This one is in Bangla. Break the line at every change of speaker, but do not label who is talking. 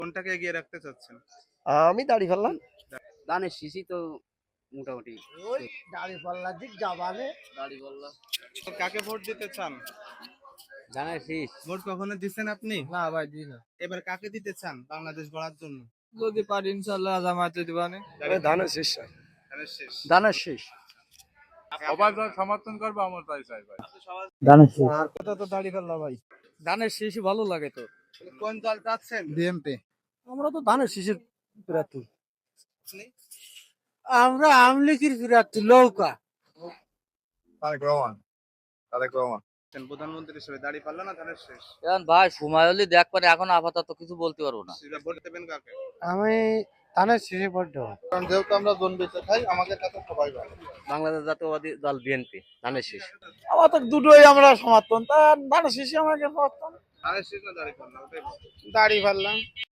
কোনটাকে এগিয়ে রাখতে চাচ্ছেন?
আমি দাড়ি ফেললাম।
ধানের শীষই তো মোটামুটি
ওই দাড়ি পাল্লার দিক যাবানে।
দাড়ি বললা
তো কাকে ভোট দিতে চান?
ধানের শীষ।
ভোট কখনো দিচ্ছেন আপনি?
না ভাই দিই না।
এবার কাকে দিতে চান বাংলাদেশ গড়ার জন্য?
যদি পারি ইনশাআল্লাহ জামাতে দিবানে।
ধানের শেষ। ধানের শেষ।
দানের শেষ।
সবাই যা সমর্থন করবে আমার তাই চাই ভাই।
দানের শেষ। আর কথা তো দাড়ি ফেললা ভাই। ধানের শীষই ভালো লাগে তো।
কোন দল চাচ্ছেন?
বিএমপি। আমরা তো ধানের শীষের প্রার্থী।
আপনি?
আমরা আমলিকির প্রার্থী লৌকা।
তারেক রহমান।
প্রধানমন্ত্রী হিসেবে দাড়ি পাল্লা না ধানের শেষ?
এখন ভাই সময় হলে দেখ পারে, এখন আপাতত কিছু বলতে পারবো না।
সেটা ভোট দেবেন কাকে?
আমি ধানের শীষে ভোট দেব।
কারণ যেহেতু আমরা জন বেঁচে খাই, আমাদের কাছে সবাই ভালো।
বাংলাদেশ জাতীয়বাদী দল বিএনপি ধানের শীষ।
আমাদের দুটোই আমরা সমর্থন, তা ধানের শীষে আমাকে সমর্থন।
ধানের শেষ না দাড়ি পাল্লা? ওটাই বলো।
দাড়ি ফেললাম।